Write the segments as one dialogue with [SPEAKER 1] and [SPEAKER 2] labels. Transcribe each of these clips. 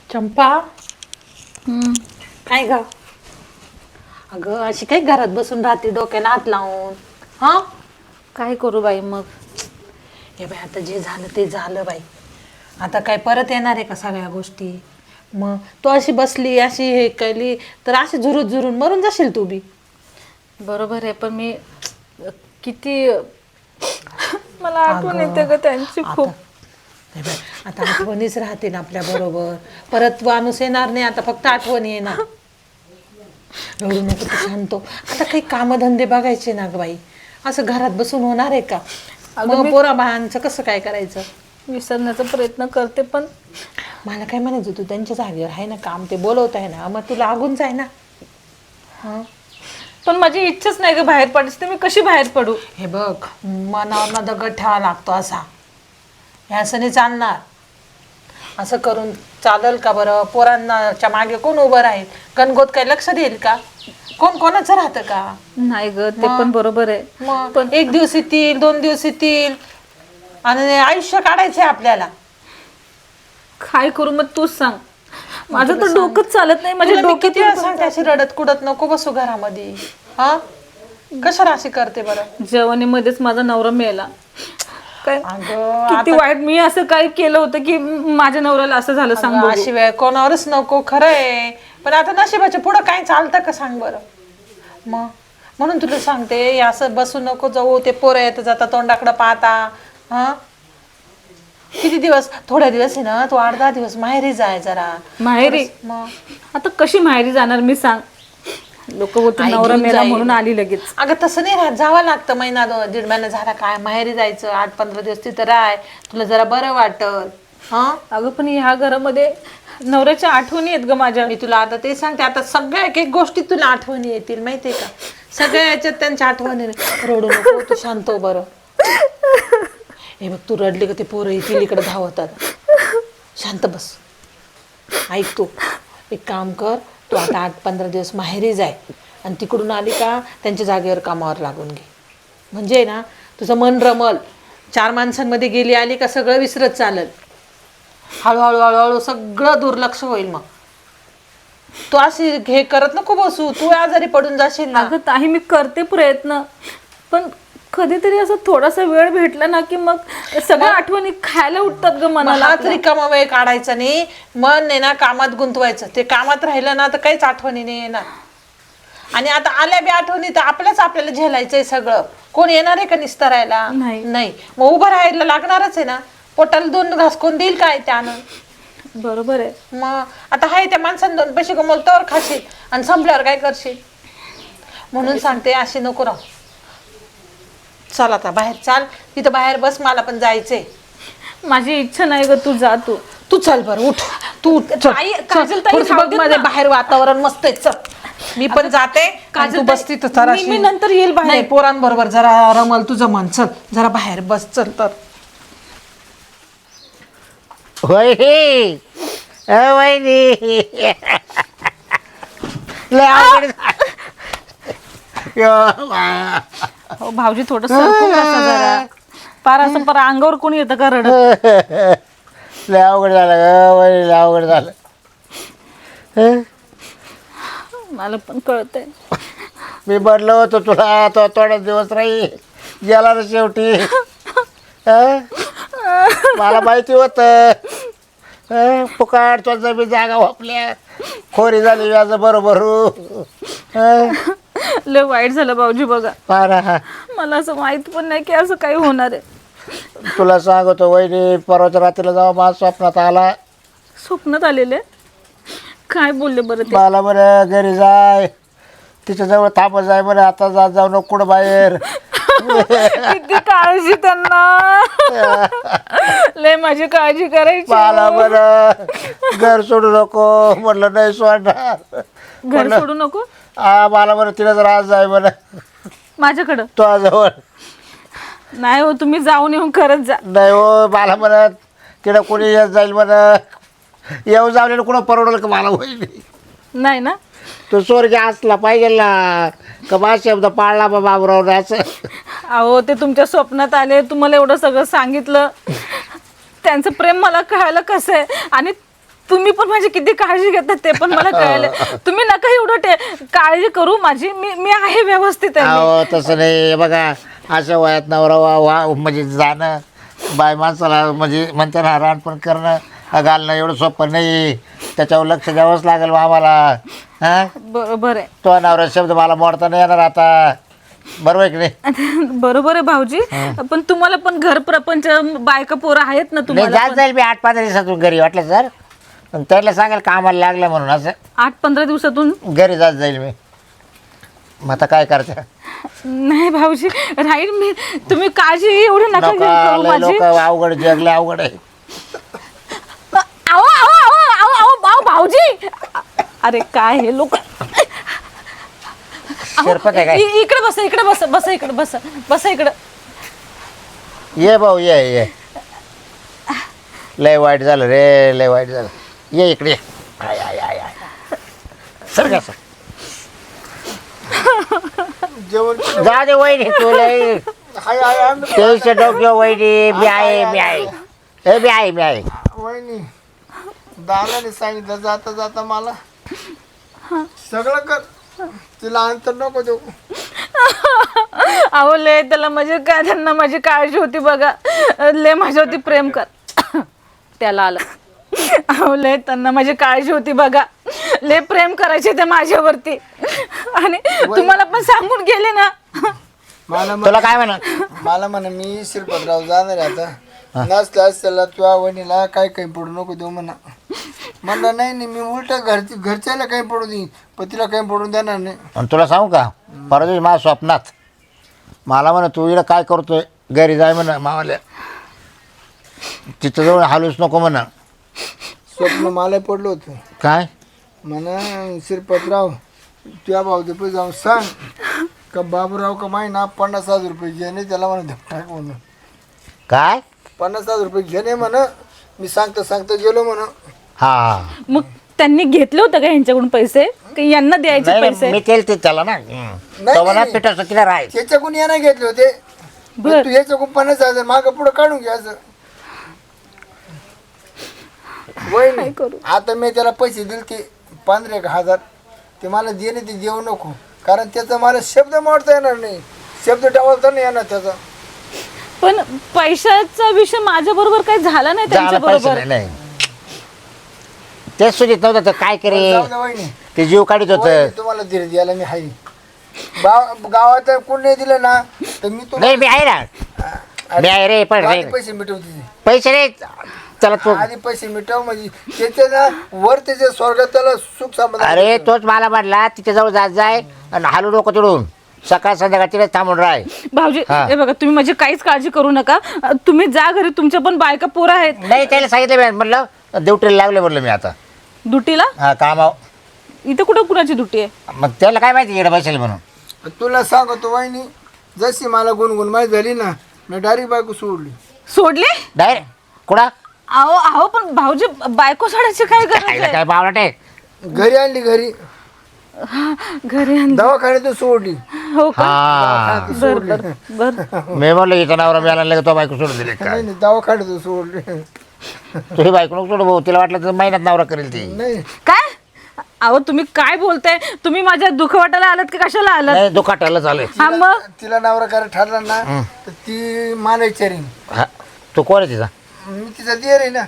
[SPEAKER 1] चंपा. काय ग? अगं अशी काय घरात बसून राहते डोक्याला हात लावून? हा,
[SPEAKER 2] काय करू बाई मग?
[SPEAKER 1] हे बाई आता जे झालं ते झालं बाई. आता काय परत येणार आहे का सगळ्या गोष्टी? मग तू अशी बसली अशी हे केली तर अशी झुरून झुरून मरून जाशील तू बी.
[SPEAKER 2] बरोबर आहे, पण मी किती मला आठवण येते ग त्यांची खूप.
[SPEAKER 1] हे बाई, आता आठवणीच राहते ना आपल्या बरोबर. परत माणूस येणार नाही, आता फक्त आठवण येणार. रडू नको तू, शांत हो. आता काही कामधंदे बघायचे ना ग बाई. असं घरात बसून होणार आहे का? मग पोरा बाळांचं कसं काय करायचं?
[SPEAKER 2] विसरण्याचा प्रयत्न करते, पण
[SPEAKER 1] मला काय म्हणायचं, तू त्यांच्या जागेवर आहे ना, काम ते बोलवत आहे ना, मग तू लागून जाय ना. हां,
[SPEAKER 2] पण माझी इच्छाच नाही ग बाहेर पडायची, तर मी कशी बाहेर पडू?
[SPEAKER 1] हे बघ, मनावर ना दगड ठेवा लागतो असा. हे असं नाही चालणार. असं करून चालेल का बरं? पोरांच्या मागे कोण उभं राहील? गणगोत काय लक्ष देईल का? कोण कोणाचं राहतं का?
[SPEAKER 2] नाही ग, ते पण बरोबर आहे.
[SPEAKER 1] मग पण 1 दिवस येतील, 2 दिवस येतील आणि आयुष्य काढायचंय आपल्याला.
[SPEAKER 2] काय करू मग तूच सांग. माझं तर डोकंच चालत नाही. माझ्या
[SPEAKER 1] तुला मी किती वेळा
[SPEAKER 2] डोक्यात
[SPEAKER 1] सांगते अशी रडत कुडत नको बसू घरामध्ये. हा, कशाला अशी करते बरं?
[SPEAKER 2] जेवणीमध्येच माझा नवरा मेला. काय
[SPEAKER 1] अगं
[SPEAKER 2] किती वाईट. मी असं काय केलं होतं की माझ्या नवऱ्याला असं झालं? सांग
[SPEAKER 1] अगं,
[SPEAKER 2] बघू.
[SPEAKER 1] अशी वेळ कोणावरच नको, खरं आहे. पण आता नशिबाच्या पुढं काय चालतं का सांग बरं? मग म्हणून तुला सांगते, हे असं बसू नको जाऊ. ते पोरं येतं जाता तोंडाकडं पाहता. हा, किती दिवस? थोड्या दिवस आहे ना, तू 8-10 दिवस माहेरी जाय जरा.
[SPEAKER 2] माहेरी?
[SPEAKER 1] मग
[SPEAKER 2] आता कशी माहेरी जाणार मी, सांग? लोक बोलतो
[SPEAKER 1] आई
[SPEAKER 2] नवरा
[SPEAKER 1] घेऊन
[SPEAKER 2] मेला
[SPEAKER 1] जाईल.
[SPEAKER 2] म्हणून आली लगेच.
[SPEAKER 1] अगं तसं नाही राहत, जावं लागतं. महिना 1.5 महिना झाला काय माहेरी जायचं. 8-15 दिवस तिथं राह, तुला जरा बरं वाटल. हा,
[SPEAKER 2] अगं पण ह्या घरामध्ये नवऱ्याच्या आठवणी आहेत ग माझ्या.
[SPEAKER 1] मी तुला आता ते सांगते. आता सगळ्या एक एक गोष्टी तुला आठवणी येतील, माहितीये का? सगळ्या याच्यात त्यांच्या आठवणी. रडू नको तू, शांत हो बरं. हे बघ, तू रडली का ते पोरं येतील इकडे धावतात. शांत बस. ऐक तू, एक काम कर. तू आता 8-15 दिवस माहेरी जाय आणि तिकडून आली का त्यांच्या जागेवर कामावर लागून घे. म्हणजे ना तुझं मन रमल. 4 माणसांमध्ये गेली आली का सगळं विसरत चालल. हळूहळू हळूहळू सगळं दुर्लक्ष होईल. मग तू अशी हे करत नको बसू. तू आजारी पडून जाशील ना.
[SPEAKER 2] अगं ताई, मी करते प्रयत्न, पण कधीतरी असं थोडासा वेळ भेटला ना की मग सगळ्या आठवणी खायला उठतात ग मनाला.
[SPEAKER 1] हाच रिकामा वेळ काढायचा नाही. मन आहे ना कामात गुंतवायचं. ते कामात राहिलं ना तर काहीच आठवणी नाही येणार. आणि आता आल्या बी आठवणी तर आपल्याला झेलायचंय सगळं. कोण येणार आहे का निस्तरायला? नाही. मग उभं राहायला लागणारच आहे ना. पोटाला 2 घास कोण देईल काय त्यानं?
[SPEAKER 2] बरोबर आहे.
[SPEAKER 1] मग आता हाय त्या माणसानं 2 पैसे कमवलं तर खाशील आणि संपल्यावर काय करशील? म्हणून सांगते, अशी नको राहू. चल आता बाहेर चाल. तिथं बाहेर बस, मला पण जायचंय.
[SPEAKER 2] माझी इच्छा नाही ग, तू जा.
[SPEAKER 1] तू चल बरं, उठ. तू
[SPEAKER 2] ताई, काजल ताई,
[SPEAKER 1] थोडंसं बघ मध्ये बाहेर वातावरण मस्त आहे. चल, मी पण जाते. आणि तू बस तिथं जरा.
[SPEAKER 2] मी नंतर येईल बाहेर.
[SPEAKER 1] नाही, पोरांबरोबर जरा रमल तुझं मन. चल जरा बाहेर बस. चल तर.
[SPEAKER 3] होय वहिनी, लय अवघड
[SPEAKER 2] हो भाऊजी, थोडं सरकून बसा जरा. पार असं पर अंगावर कोणी येतं का रडत?
[SPEAKER 3] लय अवघड झालं ग वहिनी, लय अवघड झालं.
[SPEAKER 2] मला पण कळतंय.
[SPEAKER 3] मी म्हणलं होतो तुला, तो थोडा दिवस राही गेला ना शेवटी. मला माहिती होतं. फुकाट तो जमीन जागा वापल्या, खोरी झाली व्याज बरोबर.
[SPEAKER 2] लय वाईट झालं भाऊजी बघा.
[SPEAKER 3] पारा,
[SPEAKER 2] मला असं माहित पण नाही की असं काही होणार आहे.
[SPEAKER 3] तुला सांगतो वहिनी, परवाच्या रात्रीला जाऊ माझ्या स्वप्नात आला.
[SPEAKER 2] स्वप्नात आलेले? काय बोलले बरं ते?
[SPEAKER 3] मला बरं घरी जाय, तिच्याजवळ थांबत जाय बरं. आता जाऊ नको कुठं बाहेर.
[SPEAKER 2] किती काळजी त्यांना. लय माझी काळजी करायची.
[SPEAKER 3] मला बरं घर सोडू नको म्हटलं. नाही सोडणार.
[SPEAKER 2] घर सोडू नको?
[SPEAKER 3] मला बरं तिला जर आज जाय बरं
[SPEAKER 2] माझ्याकडं.
[SPEAKER 3] तो जवळ.
[SPEAKER 2] नाही हो, तुम्ही जाऊन येऊन खरंच जा.
[SPEAKER 3] नाही हो, मला म्हणत तिला कोणी येत जाईल बरं. येऊ जाऊन कुणं परवडलं का मला होईल?
[SPEAKER 2] नाही ना.
[SPEAKER 3] तो स्वर्ग असला पाहिजे ना, का माझा शब्द पाळला बाबराव असं.
[SPEAKER 2] अहो, ते तुमच्या स्वप्नात आले, तुम्हाला एवढं सगळं सांगितलं. त्यांचं प्रेम मला कळायला कसं आहे. आणि तुम्ही पण माझी किती काळजी घेतात ते पण मला कळलं. तुम्ही नका एवढं काळजी करू माझी. मी आहे व्यवस्थित आहे.
[SPEAKER 3] अहो तसं नाही बघा, अशा वयात नवरा वा म्हणजे जाणं बाय माणसाला म्हणजे म्हणते ना रानपण करणं घालणं एवढं सोपं नाही. त्याच्यावर लक्ष द्यावंच लागेल आम्हाला. हां
[SPEAKER 2] बरोबर आहे.
[SPEAKER 3] तो नवरा शब्द मला मोडता नाही येणार आता. बरोबर आहे की नाही?
[SPEAKER 2] बरोबर आहे भाऊजी. पण तुम्हाला पण घर प्रपंच बायका पोरं आहेत ना
[SPEAKER 3] नाही
[SPEAKER 2] तुम्हाला
[SPEAKER 3] जात
[SPEAKER 2] पण.
[SPEAKER 3] जाईल मी 8-15 दिवसातून घरी वाटलं सर. त्याला सांगेल कामाला लागलं म्हणून असं
[SPEAKER 2] 8-15 दिवसातून
[SPEAKER 3] घरी जात जाईल मी. मग आता काय करते?
[SPEAKER 2] नाही भाऊजी राहील मी. तुम्ही काळजी एवढी नका घेऊ करू माझी.
[SPEAKER 3] लोक अवघड जगले अवघड आहे.
[SPEAKER 2] आओ आओ आओ आओ आओ आओ भाऊजी. अरे काय हे लोक.
[SPEAKER 3] शिरपत आहे काय?
[SPEAKER 2] इकडे बसा इकडे बसा बसा इकडे बसा बसा इकडे.
[SPEAKER 3] ये भाऊ ये. लय वाईट झालं रे, लय वाईट झालं. ये इकडे. आय आय आय आय. सर का सर
[SPEAKER 4] जेवण
[SPEAKER 3] जा दे वहिनी तू लय तेवीसशे डोक्यो वहिनी. मी आहे. मी आहे.
[SPEAKER 4] वहिनी दादाने सांगितलं जाता जाता मला सगळं कर, तिला अंतर नको देऊ.
[SPEAKER 2] अहो ले त्याला म्हणजे काय, त्यांना माझी काळजी होती बघा. ले माझ्यावरती प्रेम कर. त्याला आलं. अहो ले त्यांना माझी काळजी होती बघा. ले प्रेम करायचे ते माझ्यावरती. आणि तुम्हाला पण सांगून गेले ना.
[SPEAKER 3] तुला काय म्हणा?
[SPEAKER 4] मला म्हणा मी श्रीपतराव जाणार आहे आता. नसल्यास त्याला तुझ्या वहिनीला काही पडू नको देऊ म्हणा. म्हणलं नाही मी उलट घरच्याला काही पडू देईन, पण तिला काही पडून देणार नाही.
[SPEAKER 3] आणि तुला सांगू का, परवा माझ्या स्वप्नात मला म्हणा तू इकडं काय करतोय, घरी जाय म्हणा मावाल्या. तिथं जवळ हालूच नको म्हणा.
[SPEAKER 4] स्वप्न मला पडलं होतं.
[SPEAKER 3] काय
[SPEAKER 4] म्हणा श्रीपतराव तुझ्या भाऊचे पैसे जाऊन सांग का बाबूराव का माहिना 50,000 रुपये घेणे त्याला म्हणा टाक म्हणून.
[SPEAKER 3] काय
[SPEAKER 4] 50,000 रुपये घेणे म्हणा. मी सांगता गेलो म्हणा.
[SPEAKER 3] हा
[SPEAKER 2] मग त्यांनी घेतलं होतं का यांच्याकडून पैसे, की यांना द्यायचे
[SPEAKER 3] नाही
[SPEAKER 2] पैसे?
[SPEAKER 3] मी केलं ते त्याला ना तो म्हणा पिठाचं किती राय.
[SPEAKER 4] त्याच्याकडून यानं घेतले होते.
[SPEAKER 2] बर.
[SPEAKER 4] तू ह्याच्याकडून 50,000 मागं पुढं काढून घ्यायचं. वहिनी आता मी त्याला पैसे दिले ते 15,000 ते मला देणे ते देऊ नको, कारण त्याचा मला शब्द मोडता येणार नाही, शब्द टाळता नाही येणार त्याचा.
[SPEAKER 2] पण पैशाचा विषय माझ्या बरोबर काही झाला नाही त्यांच्या
[SPEAKER 3] पैसे
[SPEAKER 2] बरोबर.
[SPEAKER 3] नाही तेच सुजित नव्हतं तर काय करे
[SPEAKER 4] जाऊ दे वहिनी.
[SPEAKER 3] ते जीव काढित होत.
[SPEAKER 4] वहिनी, तुम्हाला धीर द्यायला मी आहे. गावात कोण नाही दिलं ना तर मी
[SPEAKER 3] नाही मी आहे ना, मी आहे रे. पण रे
[SPEAKER 4] पैसे मिटवते.
[SPEAKER 3] पैसे रे चला तू.
[SPEAKER 4] आधी पैसे मिटव म्हणजे त्याच्या ना वर त्याच्या स्वर्गात त्याला सुख समाधान.
[SPEAKER 3] अरे तोच मला म्हटला तिथे जवळ जात जाय आणि हालू नको तिडून, सकाळ संध्याकाळ तिथे थांबून राय.
[SPEAKER 2] भाऊजी
[SPEAKER 3] हा.
[SPEAKER 2] हे बघा तुम्ही माझी काहीच काळजी करू नका. तुम्ही जा घरी, तुमच्या पण बायका पोरं आहेत.
[SPEAKER 3] नाही त्याला सांगितलं मी म्हटलं ड्युटीला लागले म्हटलं मी आता.
[SPEAKER 2] दुटीला
[SPEAKER 3] हा कामाव.
[SPEAKER 2] इथं कुठं कुणाची दुटी आहे?
[SPEAKER 3] मग त्याला काय माहिती इकडे बसेल म्हणून.
[SPEAKER 4] तुला सांगतो वहिनी, जशी मला गुणगुण माहीत झाली ना मी डायरेक्ट बायको सोडली.
[SPEAKER 2] सोडले?
[SPEAKER 3] डायरेक्ट कुणा
[SPEAKER 2] अहो अहो पण भाऊजी बायको सोडायची काय गरज आहे?
[SPEAKER 3] काय बावळट आहे.
[SPEAKER 4] घरी आणली, घरी
[SPEAKER 2] घरी आणली.
[SPEAKER 4] दवाखान्यातून सोडली.
[SPEAKER 2] हो का?
[SPEAKER 3] हा
[SPEAKER 2] बर बर बर.
[SPEAKER 3] मी म्हणलं इथं नवरा मिळाला नाही तो बायको सोडून दिली काय.
[SPEAKER 4] नाही दवाखान्यातून सोडली.
[SPEAKER 3] तुझी बायको नको सोडू भाऊ, तिला वाटलं तर महिन्यात नवरा करेल ती.
[SPEAKER 4] नाही
[SPEAKER 2] काय? अहो तुम्ही काय बोलताय? तुम्ही माझ्या दुखवाटाला आलात की कशाला आलात?
[SPEAKER 3] नाही दुखाटाला चालेल.
[SPEAKER 2] हा मग
[SPEAKER 4] तिला नवरा करायला ठरला ना तर ती मला विचारीन.
[SPEAKER 3] हा तू कोण आहे तिचा?
[SPEAKER 4] मी तिचा देर आहे ना.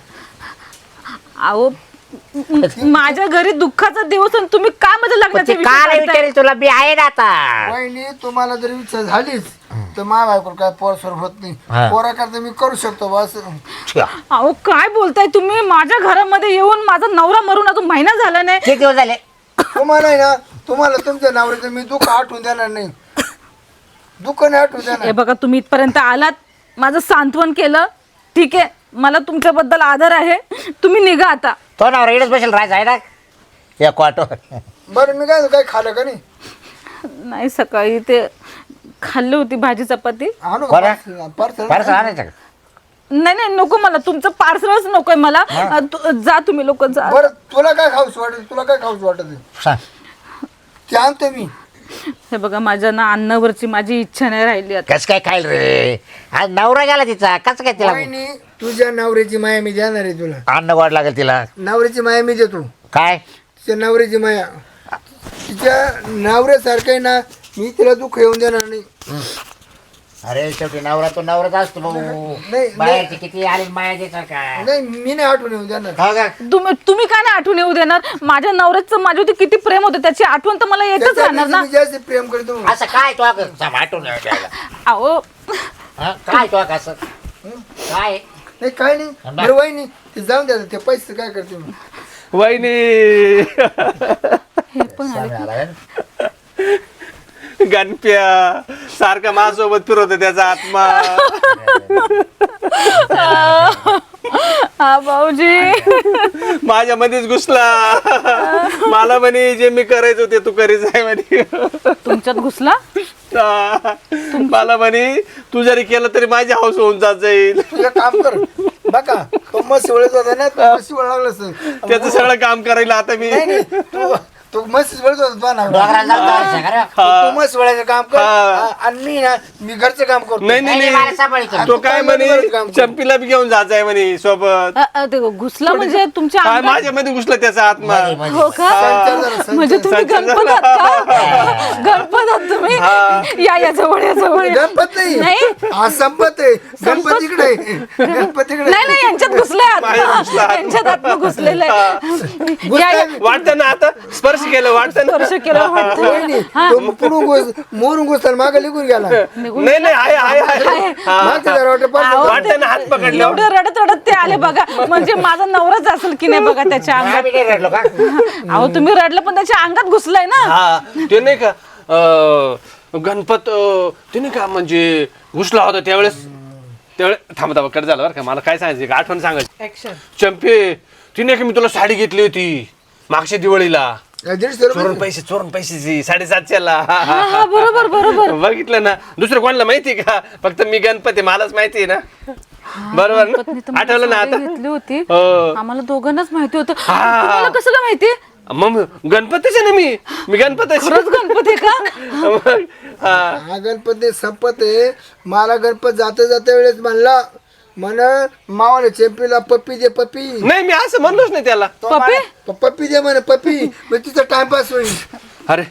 [SPEAKER 2] अहो माझ्या घरी दुःखाचा दिवस आणि तुम्ही का माझ्या लग्नाचा विषय
[SPEAKER 3] काय
[SPEAKER 2] काढताय?
[SPEAKER 3] विचारेल तुला, मी आहे ना आता.
[SPEAKER 4] वहिनी तुम्हाला जर इच्छा झालीच तर माझ्या बायको काय पोरसोर होत नाही.
[SPEAKER 3] हा.
[SPEAKER 4] पोरा करता मी करू शकतो बस.
[SPEAKER 2] अहो काय बोलताय तुम्ही? माझ्या घरामध्ये येऊन माझा नवरा मरून अजून महिना झाला नाही.
[SPEAKER 3] किती दिवस झाले?
[SPEAKER 4] तुम्हाला आहे ना, तुम्हाला तुमच्या नवऱ्याचं मी दुःख आठवून देणार नाही. दुःख नाही आठवून
[SPEAKER 2] हे
[SPEAKER 4] देणार.
[SPEAKER 2] बघा तुम्ही इथपर्यंत आलात, माझं सांत्वन केलं, ठीक आहे. मला तुमच्याबद्दल आदर आहे. तुम्ही निघा आता.
[SPEAKER 3] तो नवरा इकडेच बसेल राहायचं आहे ना या क्वाटो.
[SPEAKER 4] बरं मी काय खाल्लं का नाही?
[SPEAKER 2] नाही सकाळी ते खाल्ली होती भाजी चपाती.
[SPEAKER 4] आणू
[SPEAKER 3] बरं.
[SPEAKER 4] पार्सल.
[SPEAKER 3] फारसं आणायचं का?
[SPEAKER 2] नाही नाही नको मला, तुमचं पार्सलच नकोय मला. जा तुम्ही लोक जा.
[SPEAKER 4] बरं तुला काय खाऊस वाटत? तुला काय खाऊस वाटत?
[SPEAKER 3] सांग.
[SPEAKER 4] ते आणतो मी.
[SPEAKER 2] हे बघा माझ्या ना अन्नावरची माझी इच्छा नाही राहिली आता.
[SPEAKER 3] कसं काय खाईल रे? आज नवरा गेला तिचा, कसं काय तिला?
[SPEAKER 4] वहिनी तुझ्या नवऱ्याची माया मी देणार आहे तुला.
[SPEAKER 3] अन्न गोड लागेल तिला.
[SPEAKER 4] नवऱ्याची माया मी देतो.
[SPEAKER 3] काय
[SPEAKER 4] तिच्या नवऱ्याची माया तिच्या नवऱ्यासारखं आहे ना, मी तिला दुःख येऊन देणार नाही.
[SPEAKER 3] अरे शेवटी नवरा तो नवराच असतो भाऊ.
[SPEAKER 4] नाही.
[SPEAKER 3] बाहेरची किती आली माया देतात का?
[SPEAKER 4] नाही मी नाही आठवण येऊन देणार.
[SPEAKER 3] हो का?
[SPEAKER 2] तुम्ही काय नाही आठवण येऊ देणार? माझ्या नवऱ्याचं माझ्यावरती किती प्रेम होतं त्याची आठवण तर मला येतच राहणार ना.
[SPEAKER 4] मी जास्त प्रेम करतो.
[SPEAKER 3] असं काय तो आठवून
[SPEAKER 2] अहो
[SPEAKER 3] काय तो कसं काय?
[SPEAKER 4] नाही काय नाही. बरं वहिनी ते जाऊन द्या, ते पैसे काय करते मी.
[SPEAKER 5] वहिनी
[SPEAKER 2] हे पण आले.
[SPEAKER 5] गणप्या सारखा माझ्यासोबत फिरवतो त्याचा आत्मा.
[SPEAKER 2] हा भाऊजी
[SPEAKER 5] माझ्या मध्येच घुसला. मला म्हणे जे मी करायचो ते तू करीत आहे म्हणे.
[SPEAKER 2] तुमच्यात घुसला?
[SPEAKER 5] मला म्हणे तू जरी केलं तरी माझी हाऊस होऊन जात जाईल.
[SPEAKER 4] तुझं काम कर बघा. तो मस्त वेळेत होता ना, तो मस्त वेळ लागला सर.
[SPEAKER 5] त्याचं सगळं काम करायला आता मी.
[SPEAKER 4] नाही नाही, तो मस्त वेळेत होता तो ना.
[SPEAKER 3] डोंगराला जाऊन जायचं का रे?
[SPEAKER 4] तू मस्त वेळेचं काम कर.
[SPEAKER 5] हा.
[SPEAKER 4] आणि मी ना मी घरचं काम करतो.
[SPEAKER 5] नाही
[SPEAKER 3] नाही,
[SPEAKER 5] नाही
[SPEAKER 3] मला
[SPEAKER 5] नाही
[SPEAKER 3] सांभाळतो.
[SPEAKER 5] तो काय म्हणे
[SPEAKER 4] काम कर.
[SPEAKER 5] चंपीला बी घेऊन जायचंय म्हणे सोबत.
[SPEAKER 2] ते घुसला म्हणजे तुमच्या
[SPEAKER 5] काय
[SPEAKER 2] अंगात?
[SPEAKER 5] माझ्या मध्ये घुसला त्याचा आत्मा.
[SPEAKER 2] हो का?
[SPEAKER 4] संचार झाला, संचार.
[SPEAKER 2] म्हणजे तुम्ही गणपत आहात का? गणपत आहात तुम्ही? या जवळ या जवळ या.
[SPEAKER 4] गणपत नाही.
[SPEAKER 2] नाही
[SPEAKER 4] हा संपत आहे. गणपत इकडे आहे. गणपत इकडे
[SPEAKER 2] नाही नाही यांच्यात घुसले
[SPEAKER 5] माझ्यात घुसला आत्मा.
[SPEAKER 2] यांच्यात आत्मा घुसलेलं आहे. या, या.
[SPEAKER 5] वाटतं ना आता स्पर्श केलं वाटतं ना.
[SPEAKER 2] स्पर्श केलं वाटतं.
[SPEAKER 4] वहिनी, तो पुढून मोरून घुसताना मागे निघून गेला.
[SPEAKER 5] नाही नाही आहे आहे आहे हा.
[SPEAKER 4] मागच्या दरवाजा
[SPEAKER 2] आहो,
[SPEAKER 5] वाटतं ना हात पकडले.
[SPEAKER 2] एवढं रडत रडत ते आले बघा. म्हणजे माझा नवराच असेल की नाही बघा त्याच्या अंगात.
[SPEAKER 3] आम्ही नाही रडलो का?
[SPEAKER 2] अहो तुम्ही रडलं पण त्याच्या अंगात घुसलंय ना.
[SPEAKER 5] हा ते नाही का गणपत ते नाही का म्हणजे घुसला होता त्यावेळेस थांबा कट झालं बरं का. मला काय सांगायचं एक आठवण सांगायची.
[SPEAKER 1] ऍक्शन.
[SPEAKER 5] चंपे तिने का मी तुला साडी घेतली होती मागच्या दिवाळीला.
[SPEAKER 4] 150
[SPEAKER 5] चोरून पैशाची 750ला.
[SPEAKER 2] हा बरोबर बरोबर.
[SPEAKER 5] बघितलं ना. दुसरं कोणाला माहिती का? फक्त मी गणपती मलाच माहिती आहे ना. बरोबर
[SPEAKER 2] गणपतनी तर
[SPEAKER 5] ना.
[SPEAKER 2] मला
[SPEAKER 5] आठवलं ना
[SPEAKER 2] साडी
[SPEAKER 5] आता.
[SPEAKER 2] घेतली होती.
[SPEAKER 5] हो.
[SPEAKER 2] आम्हाला दोघांनाच माहिती होतं.
[SPEAKER 5] हा.
[SPEAKER 2] तुम्हाला कसं काय माहिती?
[SPEAKER 5] मग गणपतीच आहे ना मी गणपतीच.
[SPEAKER 2] खरंच गणपती का?
[SPEAKER 4] हा गणपती संपत आहे. मला गणपत जाता जाता वेळेस म्हणला मावाला चेंपीला पप्पी दे पप्पी.
[SPEAKER 5] नाही मी असं म्हणलोच नाही त्याला.
[SPEAKER 2] पप्पी?
[SPEAKER 4] पप्पी दे म्हणे पप्पी. मग तिचा टाइमपास होईल.
[SPEAKER 5] अरे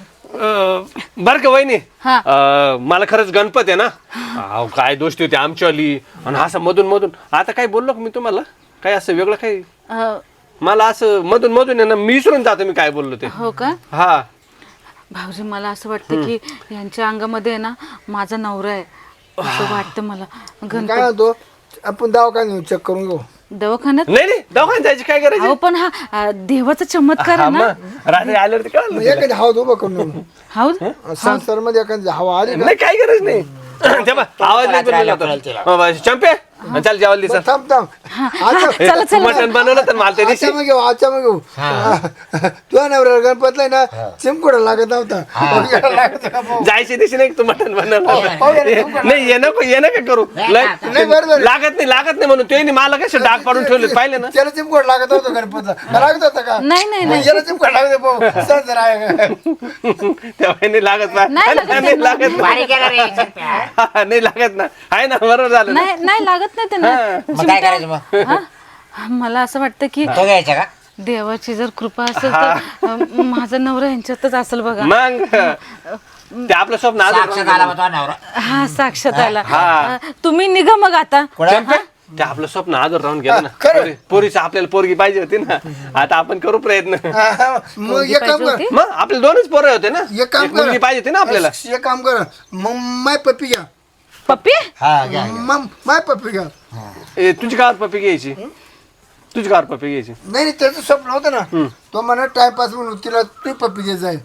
[SPEAKER 5] बर का वहिनी
[SPEAKER 2] हा.
[SPEAKER 5] मला खरंच गणपत आहे ना. अहो, काय दोस्ती होती आमच्यावाली. आणि असं मधून मधून आता काय बोललो का मी तुम्हाला काय असं वेगळं काही मला असं मधून मधून आहे ना मी विसरून जातो मी काय बोललो ते.
[SPEAKER 2] हो का?
[SPEAKER 5] हा
[SPEAKER 2] भाऊजी मला असं वाटतं की यांच्या अंगामध्ये आहे ना माझा नवरा आहे असं वाटतं मला.
[SPEAKER 4] काय म्हणतो आपण दवाखान्यात नेऊ, चेक करून घेऊ.
[SPEAKER 2] दवाखान्यात?
[SPEAKER 5] नाही नाही दवाखान्यात जायची काय करायची.
[SPEAKER 2] अहो पण हा देवाचा चमत्कार
[SPEAKER 5] हा
[SPEAKER 2] आहे ना.
[SPEAKER 5] मग रात्री आल्यावरती कळलं
[SPEAKER 4] मग
[SPEAKER 5] तुला.
[SPEAKER 4] एखादी हवा उभा करून नेऊ.
[SPEAKER 2] हाऊ
[SPEAKER 4] संसार मध्ये एखादी हवा आली ना.
[SPEAKER 5] नाही काय गरज नाही. तेव्हा आवाज नाही बनवला होता. चंपे चल जेवायला दिसा.
[SPEAKER 4] थांब थांब. आता
[SPEAKER 2] चला चला.
[SPEAKER 5] मटण बनवलं तर मला त्या दिवशी
[SPEAKER 4] मग घेऊ आजच्या मग घेऊ. तुझ्या नवऱ्याला गणपतला ना चिमकोडा लागत नव्हता.
[SPEAKER 5] जायच्या दिवशी नाही तू मटण बनवलं.
[SPEAKER 4] पाहूया ना.
[SPEAKER 5] नाही ये नका करू
[SPEAKER 4] नाही बरोबर.
[SPEAKER 5] लागत नाही म्हणून ते मला कसे डाग पाडून ठेवले पाहिले ना.
[SPEAKER 4] त्याला चिमकोड लागत होता गणपतला. लागत होता का?
[SPEAKER 2] नाही नाही नाही.
[SPEAKER 4] याला चिमकोड लागत होता. सर जरा आहे.
[SPEAKER 5] तेव्हा नाही लागत ना.
[SPEAKER 2] नाही लागत
[SPEAKER 5] नाही लागत ना.
[SPEAKER 3] बारीक गेला रे चंप्या.
[SPEAKER 5] नाही लागत ना. आहे ना बरोबर झालं ना.
[SPEAKER 2] नाही नाही लागत नाही त्यांना.
[SPEAKER 3] मग काय करायचं मग?
[SPEAKER 2] हा? मला असं वाटतं की
[SPEAKER 3] तो घ्यायचा का?
[SPEAKER 2] देवाची जर कृपा असेल तर माझा नवरा यांच्यातच असेल बघा.
[SPEAKER 5] मग ते आपलं स्वप्न
[SPEAKER 3] साक्षात आला होता नवरा.
[SPEAKER 2] हा साक्षात आला.
[SPEAKER 5] हा.
[SPEAKER 2] तुम्ही निघा मग आता.
[SPEAKER 5] चंपे, ते आपलं स्वप्न आदर राहून गेलं ना. पोरीचं आपल्याला पोरगी पाहिजे होती ना. आता आपण करू प्रयत्न.
[SPEAKER 4] मग एक काम कर.
[SPEAKER 5] मग आपले दोनच पोरं होते ना.
[SPEAKER 4] एक काम
[SPEAKER 5] एक मुलगी
[SPEAKER 4] कर.
[SPEAKER 5] पाहिजे होती ना आपल्याला.
[SPEAKER 4] एक काम कर. मग माय पप्पी घ्या.
[SPEAKER 2] पप्पी?
[SPEAKER 3] हा घ्या.
[SPEAKER 4] मग माय पप्पी घ्या.
[SPEAKER 5] तुझी कार पप्पी घ्यायची. तुझी कार पप्पी घ्यायची.
[SPEAKER 4] नाही नाही, त्याचं स्वप्न होतं ना. तो म्हणा टाइमपास म्हणून तिला ती पप्पी द्यायचं आहे.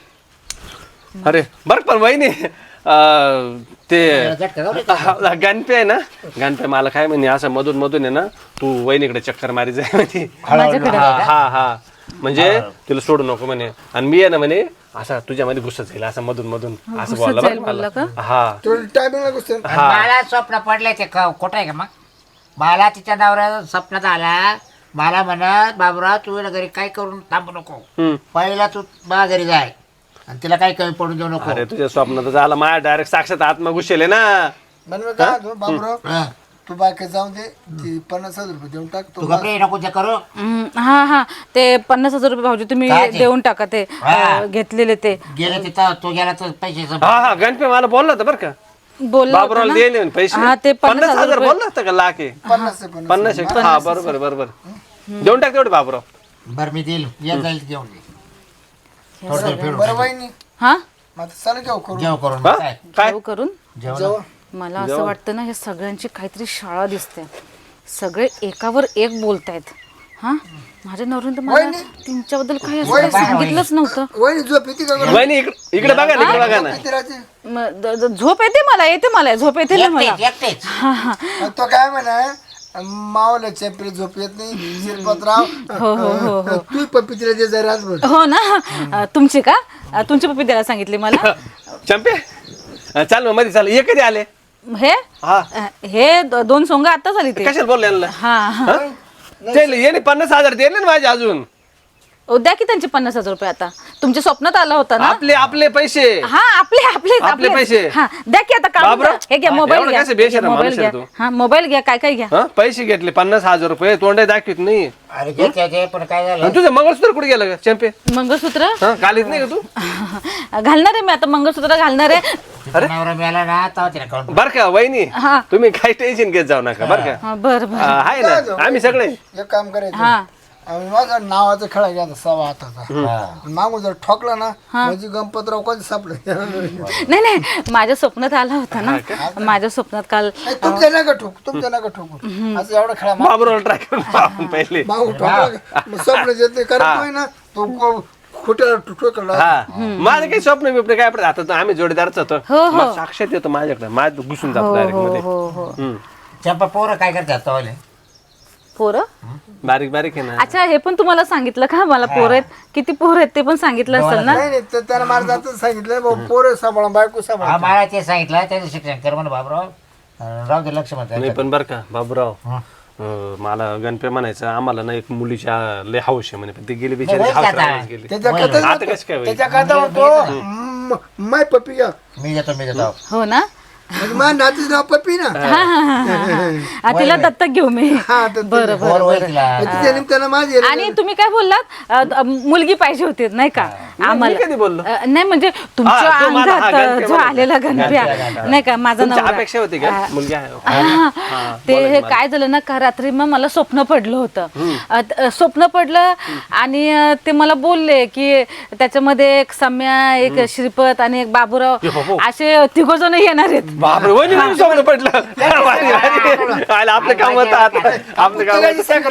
[SPEAKER 5] अरे बर पण वहिनी ते गणपे आहे ना. गणपे मला काय म्हणे असं मधून मधून आहे ना तू वहिनीकडे चक्कर मारी जाय म्हणे.
[SPEAKER 2] माझ्याकडे?
[SPEAKER 5] हा हा म्हणजे तिला सोडू नको म्हणे. आणि मी आहे ना म्हणे असं तुझ्यामध्ये घुसत जाईल असं मधून मधून असं
[SPEAKER 2] घुसत जाईल
[SPEAKER 5] बोलला
[SPEAKER 2] बोलला का?
[SPEAKER 5] हा.
[SPEAKER 4] तो टायमिंगला गोष्ट.
[SPEAKER 3] मला स्वप्न पडलंय ते खोटं आहे का मग? मला तिच्या नवऱ्या स्वप्नात आला. मला म्हणत बाबूराव तू घरी काय करून थांबू नको. पहिला तू बा घरी जाय आणि तिला काही कमी पडून देऊ नको.
[SPEAKER 5] अरे तुझ्या स्वप्नात झाला माझ्या डायरेक्ट साक्षात आत्मा घुसेल ना.
[SPEAKER 4] म्हणून काय होतं, बाबूराव तू बाकी जाऊन दे ती 50,000 रुपये देऊन टाक
[SPEAKER 3] तू
[SPEAKER 4] तो
[SPEAKER 3] कपडे नको ते करू
[SPEAKER 2] हा हा ते 50,000 रुपये भाऊजी तुम्ही
[SPEAKER 3] काय ते?
[SPEAKER 2] देऊन टाका ते
[SPEAKER 3] हा.
[SPEAKER 2] घेतलेले ते
[SPEAKER 3] गेले तिथं तू गेला तर पैसे
[SPEAKER 5] हा हा गणपती मला बोलला होता बरं का
[SPEAKER 2] बोलला होता
[SPEAKER 5] बाबूराव
[SPEAKER 2] ना?
[SPEAKER 5] दिले म्हणे पैसे
[SPEAKER 2] हा, ते
[SPEAKER 5] 50,000 बोलला होता का लाख आहे
[SPEAKER 4] 50
[SPEAKER 5] 50 हा बरोबर बरोबर देऊन टाक तेवढे बाबूराव
[SPEAKER 3] बरं मी देईल येत जाईल घेऊन थोडं फिरून
[SPEAKER 4] बरं वहिनी
[SPEAKER 2] हा
[SPEAKER 4] मग आता चला घेऊ करू
[SPEAKER 3] जेव करून
[SPEAKER 5] हा?
[SPEAKER 3] काय
[SPEAKER 5] काय
[SPEAKER 2] जेव करून
[SPEAKER 3] जेवण
[SPEAKER 2] मला असं वाटतं ना हे सगळ्यांची काहीतरी शाळा दिसते सगळे एकावर एक बोलतायत हा माझ्या नवऱ्यानं तर मला तुमच्याबद्दल काही असं काही सांगितलंच नव्हतं
[SPEAKER 4] वहिनी झोप येते का
[SPEAKER 5] वहिनी इकडे बघा ना इकडे बघा ना
[SPEAKER 4] किती राहते
[SPEAKER 2] झोप येते मला झोप येते ना मला
[SPEAKER 3] एकटेच
[SPEAKER 4] मग तो काय म्हणा मावला चेपरी झोप येत नाही शिरपतराव तू पप्पी तिला दे जरा रातभर
[SPEAKER 2] हो ना तुमची का तुमची पप्पी द्यायला सांगितली मला
[SPEAKER 5] चंपे चाल मग मध्ये चाल ये कधी आले
[SPEAKER 2] हे
[SPEAKER 5] हा
[SPEAKER 2] हे दोन सोंग आता झाली ते
[SPEAKER 5] कशाला बोलले यांना
[SPEAKER 2] हा हा
[SPEAKER 5] ते येणे 50,000 दिले ना माझे अजून
[SPEAKER 2] द्या की त्यांचे 50,000 रुपये आता तुमच्या स्वप्नात आला होता ना
[SPEAKER 5] आपले पैसे
[SPEAKER 2] हा आपले
[SPEAKER 5] पैसे.
[SPEAKER 2] हा द्या की आता काढून
[SPEAKER 5] बाबराव,
[SPEAKER 2] द्या. हे घ्या मोबाईल
[SPEAKER 5] एवढं
[SPEAKER 2] घ्या
[SPEAKER 5] कसं बेशरम
[SPEAKER 2] मोबाईल
[SPEAKER 5] माणूस
[SPEAKER 2] घ्या
[SPEAKER 5] आहे तू?
[SPEAKER 2] हा मोबाईल घ्या काय काय घ्या
[SPEAKER 5] हा पैसे घेतले 50,000 रुपये तोंडे दाखवित नाही
[SPEAKER 3] अरे घेते पण काय झालं
[SPEAKER 5] आणि तुझं मंगळसूत्र कुठे गेलं ग चंपे
[SPEAKER 2] मंगळसूत्र
[SPEAKER 5] हा कालीच नाही का तू
[SPEAKER 2] घालणार आहे मी आता मंगळसूत्र घालणार आहे
[SPEAKER 3] तिचा नवरा मिळाला ना तेव्हा तिला काढून
[SPEAKER 5] बर का वहिनी
[SPEAKER 2] हा.
[SPEAKER 5] तुम्ही काही टेन्शन घेत जाऊ नका बर का
[SPEAKER 2] हा, बरं बरं
[SPEAKER 5] आहे ना आम्ही सगळे
[SPEAKER 4] एक काम करायचं
[SPEAKER 2] हा
[SPEAKER 4] आम्ही माझं नावाचा खेळा घ्या सवा हाताचा
[SPEAKER 3] हा.
[SPEAKER 4] मागून जर ठोकला ना म्हणजे गणपतराव कधी सापडे
[SPEAKER 2] नाही माझ्या स्वप्नात आला होता ना माझ्या स्वप्नात काल
[SPEAKER 4] तुमच्या नका ठोकू असं एवढा खेळा
[SPEAKER 5] बाबूराव ट्राय करून पाहू आपण पहिले
[SPEAKER 4] मागून ठोकला स्वप्न येते करत नाही ना तो खोट्याला ठोकला
[SPEAKER 5] हा माझं काही स्वप्न बिप्न काय पडत आता तर आम्ही जोडीदारच होतो
[SPEAKER 2] हो, हो.
[SPEAKER 5] मग साक्षात येतो माझ्याकडे माझं घुसून जातो डायरेक्ट मध्ये
[SPEAKER 2] हो हो
[SPEAKER 5] हम्म.
[SPEAKER 3] चंपा पोरं काय करतात तवाले
[SPEAKER 2] पोरं
[SPEAKER 5] बारीक बारीक आहे ना
[SPEAKER 2] अच्छा हे पण तुम्हाला सांगितलं का मला पोर आहेत किती पोर आहेत ते पण सांगितलं असेल ना
[SPEAKER 4] नाही नाही तर त्याला मला जातच सांगितलं भाऊ पोरं सांभाळा बायको सांभाळा
[SPEAKER 3] हा मला ते सांगितलं त्याचं शिक्षण कर म्हणा बाबराव राहू दे लक्ष
[SPEAKER 5] नाही
[SPEAKER 3] म्हणतात
[SPEAKER 5] पण बरं का बाबूराव मला गणपे म्हणायचं आम्हाला ना एक मुलीच्या लय हौश आहे म्हणे पण ती गेली बिचारी
[SPEAKER 3] नाही,
[SPEAKER 5] हाऊस
[SPEAKER 3] आता.
[SPEAKER 5] राहायलाच गेली
[SPEAKER 4] त्याच्या
[SPEAKER 3] होईल,
[SPEAKER 4] कथेच
[SPEAKER 5] आता कसं काय होईल?
[SPEAKER 4] त्याच्या कथा होतो माय पप्पी घ्या
[SPEAKER 3] मी देतो
[SPEAKER 2] हो ना
[SPEAKER 4] म्हणजे माझ्या नातीचं नाव पप्पी ना
[SPEAKER 2] तिला दत्तक घेऊ मी
[SPEAKER 4] हा तर
[SPEAKER 2] बरं
[SPEAKER 3] पोर होईल तिला
[SPEAKER 4] तिच्या निमित्तानं माझी
[SPEAKER 2] आणि तुम्ही काय बोललात मुलगी पाहिजे होती नाही का
[SPEAKER 5] मी कधी बोललो
[SPEAKER 2] नाही म्हणजे तुमच्या
[SPEAKER 5] हा, तो माझा हा
[SPEAKER 2] अंगात
[SPEAKER 5] गणप्या
[SPEAKER 2] जो
[SPEAKER 5] मला.
[SPEAKER 2] आलेला गणप्या नाही का माझा
[SPEAKER 5] तुमच्या
[SPEAKER 2] नवरा
[SPEAKER 5] अपेक्षा होती का मुलगी आहे
[SPEAKER 2] हा, ते हे काय झालं ना का रात्री मग मला स्वप्न पडलं होतं स्वप्न पडलं आणि ते मला बोलले की त्याच्यामध्ये एक सम्या एक श्रीपत आणि एक बाबूराव असे तिघ जण येणार आहेत
[SPEAKER 5] बापरे वहिनी म्हणून स्वप्न पडलं भारी, भारी. आलं, आपलं काम होतं आता आपलं काम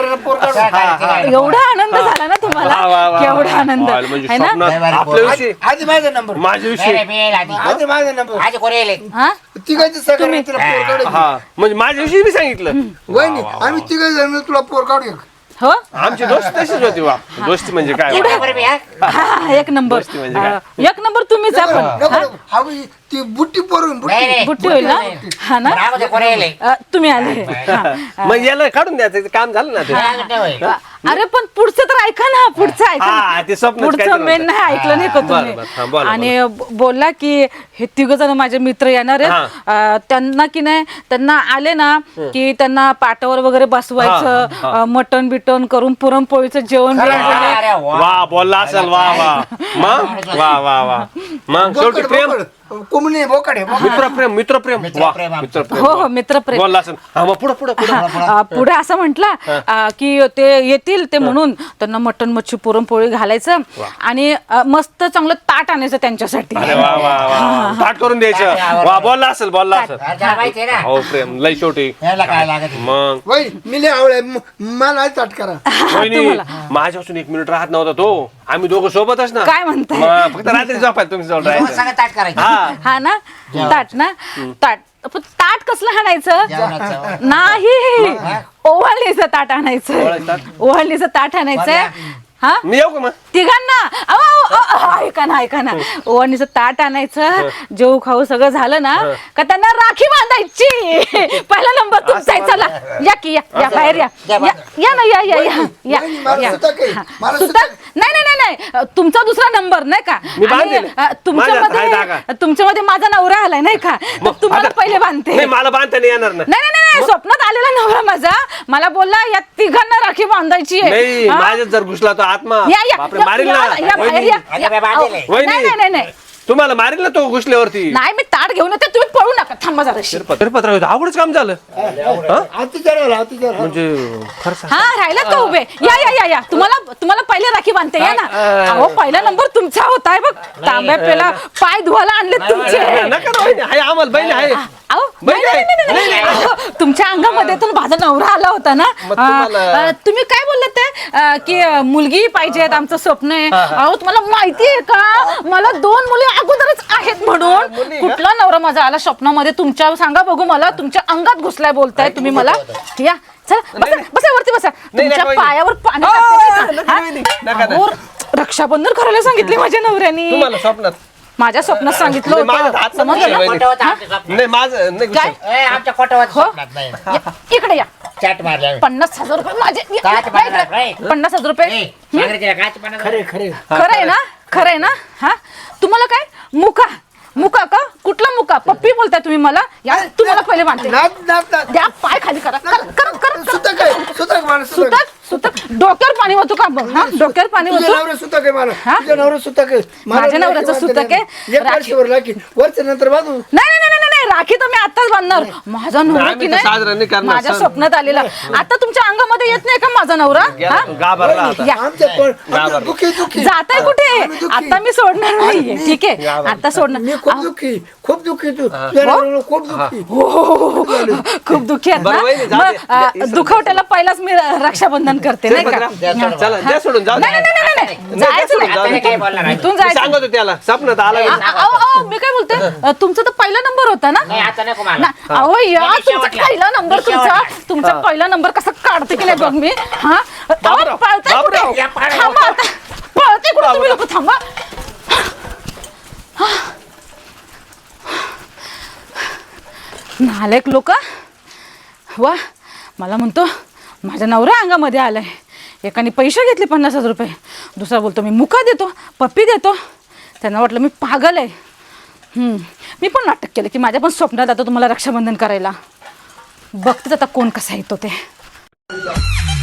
[SPEAKER 5] होतं.
[SPEAKER 2] एवढा आनंद झाला ना तुम्हाला
[SPEAKER 5] वा, वा, वा.
[SPEAKER 2] केवढा आनंद
[SPEAKER 5] आलं, म्हणजे
[SPEAKER 2] है ना
[SPEAKER 5] स्वप्नात आपल्याविषयी
[SPEAKER 4] आधी माझा नंबर
[SPEAKER 5] माझ्याविषयी
[SPEAKER 4] आधी माझा नंबर
[SPEAKER 3] आज कोणी येले
[SPEAKER 2] हा
[SPEAKER 4] तिघांची सगळं तिला पोर काढू
[SPEAKER 5] हा म्हणजे माझ्याविषयी मी सांगितलं
[SPEAKER 4] वहिनी आम्ही तिघ जण तुला पोर काढू एक.
[SPEAKER 2] हो
[SPEAKER 5] आमची दोस्त तशीच होती वा दोस्ती म्हणजे काय वा.
[SPEAKER 2] हा, एक नंबर
[SPEAKER 5] गोष्टी म्हणजे काय?
[SPEAKER 2] एक नंबर तुम्हीच आपण
[SPEAKER 4] नको, नको. हा बाई, ती बुट्टी पोरून बुट्टी
[SPEAKER 2] बुट्टी होईल ना हा ना
[SPEAKER 3] कोणी येले
[SPEAKER 2] तुम्ही आले हा.
[SPEAKER 5] मग याला काढून द्यायचं ते काम झालं ना ते
[SPEAKER 2] अरे पण पुढचं तर ऐका ना पुढचं ऐका
[SPEAKER 5] हा,
[SPEAKER 2] ना.
[SPEAKER 5] ते स्वप्नच
[SPEAKER 2] पुढचं
[SPEAKER 5] काहीतरी
[SPEAKER 2] मेन
[SPEAKER 5] होतं.
[SPEAKER 2] नाही ऐकलं नाही का
[SPEAKER 5] बरं, बरं. हा, बोला,
[SPEAKER 2] तुम्ही आणि बोलला की हे तिघ जण माझे मित्र येणार आहेत त्यांना की नाही त्यांना आले ना की त्यांना पाटावर वगैरे बसवायचं मटण बिटन करून पुरणपोळीचं जेवण बिवण
[SPEAKER 5] वा बोलला असेल वा वा मग वा वा वा मग शेवटी प्रेम
[SPEAKER 4] कोमणे बोकडे
[SPEAKER 5] मित्रप्रेम मित्रप्रेम वा
[SPEAKER 3] मित्रप्रेम.
[SPEAKER 5] मित्रप्रेम
[SPEAKER 2] हो हो मित्रप्रेम
[SPEAKER 5] बोलला असेल हा मग पुढं पुढं पुढं
[SPEAKER 2] पुढे असं म्हटला की ते येतील ते म्हणून त्यांना मटण मच्छी पुरणपोळी घालायचं आणि मस्त चांगलं ताट आणायचं त्यांच्यासाठी
[SPEAKER 5] अरे वा वा वा ताट करून द्यायचं वा बोलला असेल
[SPEAKER 3] माहिती आहे ना
[SPEAKER 5] हो प्रेम लय शेवटी
[SPEAKER 3] याला काय लागत
[SPEAKER 5] मग
[SPEAKER 4] वय मी लय आवडे मला ताट करा
[SPEAKER 5] वहिनी माझ्यापासून 1 मिनिट राहत नव्हता तो आम्ही दोघं सोबतच ना
[SPEAKER 2] काय म्हणताय
[SPEAKER 5] मग फक्त रात्री झोपायला तुम्ही जवळ राहायचं
[SPEAKER 3] सांगा ताट करायचं
[SPEAKER 2] हा ना ताट ना ताट पण ताट कसलं आणायचं
[SPEAKER 3] जेवणाचं.
[SPEAKER 2] नाही ओवाळणीचं ताट आणायचं
[SPEAKER 5] ओवाळणीचं ताट?
[SPEAKER 2] ओवाळणीचं ताट आणायचं हा
[SPEAKER 5] मी येऊ का मग
[SPEAKER 2] तिघांना ऐका ना ओवाळणीचं ताट आणायचं जेऊ खाऊ सगळं झालं ना का त्यांना राखी बांधायची. पहिला नंबर तुमचा आहे. चला या की या बाहेर या ना या सुद्धा नाही तुमचा दुसरा नंबर नाही का.
[SPEAKER 5] मी बांधेल.
[SPEAKER 2] तुमच्यामध्ये माझा नवरा आलाय नाही का, तर तुम्हाला पहिले बांधते.
[SPEAKER 5] नाही मला बांधता नाही येणार ना.
[SPEAKER 2] नाही स्वप्नात आलेला नवरा माझा मला बोलला या तिघांना राखी बांधायची आहे.
[SPEAKER 5] नाही माझ्यात जर घुसला तो आत्मा बापरे मारील ना.
[SPEAKER 2] बाहेर या.
[SPEAKER 5] वहिनी.
[SPEAKER 2] नाही
[SPEAKER 5] तुम्हाला मारील ना तो घुसल्यावरती.
[SPEAKER 2] नाही मी ताट घेऊन येते तुम्ही पळू नका. थांबा जरा.
[SPEAKER 5] शिरपत्राव आवडच काम झालं म्हणजे खरं
[SPEAKER 2] हा राहिला का उभे. या तुम्हाला पहिले राखी बांधते या ना. अहो पहिला नंबर तुमचा होताय बघ. तांब्या पेला पाय धुवायला आणले तुमचे.
[SPEAKER 5] नका ना वहिनी, आहे आम्हाला बहिणी आहे.
[SPEAKER 2] अहो नाही. तुमच्या अंगामध्ये तर माझा नवरा आला होता ना. तुम्ही काय बोलले ते की मुलगी पाहिजेत आमचं स्वप्न आहे. अहो तुम्हाला माहिती आहे का मला 2 मुली अगोदरच आहेत म्हणून. कुठला नवरा माझा आला स्वप्नामध्ये तुमच्या. सांगा बघू मला तुमच्या अंगात घुसलाय बोलताय तुम्ही मला. या चला बसा वरती बसा. तुमच्या पायावर पाणी टाकते. रक्षाबंधन करायला सांगितले माझ्या नवऱ्याने.
[SPEAKER 5] तुम्हाला स्वप्नात
[SPEAKER 2] माझ्या स्वप्नात सांगितलं होतं. समजलं ना?
[SPEAKER 5] नाही माझं नाही
[SPEAKER 2] काय
[SPEAKER 3] ए, आमच्या कोटावर
[SPEAKER 2] हो? इकडे या.
[SPEAKER 3] चॅट मारल्या
[SPEAKER 2] 50,000 रुपये माझे.
[SPEAKER 3] काय मारणार, रे?
[SPEAKER 2] 50,000 रुपये खरं आहे ना. हा तुम्हाला काय मुका का कुठला मुका पप्पी बोलताय तुम्ही मला. या तुम्हाला पहिले बांधते. द्या पाय खाली करा. सुतक डोक्यावर पाणी वाहतो का बघ. हा डोक्यावर पाणी वाहतो. माझ्या नवऱ्याचं सुतक आहे.
[SPEAKER 4] नंतर बाजू
[SPEAKER 2] नाही राखी तर मी आताच बांधणार. माझा नवरा की नाही माझ्या स्वप्नात आलेला. आता तुमच्या अंगामध्ये येत नाही का माझा नवरा. जाताय कुठे. आता मी सोडणार नाहीये. ठीक आहे आता सोडणार.
[SPEAKER 4] खूप दुःखी तू
[SPEAKER 2] खूप दुःखी आहेत ना. दुखवट्याला पहिलाच मी रक्षाबंधन करते नाही का.
[SPEAKER 5] नाही
[SPEAKER 2] जायचं इथून जायचं.
[SPEAKER 5] सांगतो त्याला स्वप्नात आला.
[SPEAKER 2] मी काय बोलते तुमचा तर पहिला नंबर होता ना. अहो या तुमचा पहिला नंबर तुमचा पहिला नंबर कसा काढते की नाही बघ मी. हा पळते कुठे तुम्ही लोक. थांबा नालायक लोक. वा मला म्हणतो माझ्या नवऱ्या अंगामध्ये आलाय. एकाने पैसे घेतले 50,000 रुपये. दुसरा बोलतो मी मुका देतो पप्पी देतो. त्यांना वाटलं मी पागल आहे. मी पण नाटक केलं की माझ्या पण स्वप्नात आता तुम्हाला रक्षाबंधन करायला. बघतेच आता कोण कसा येतो ते.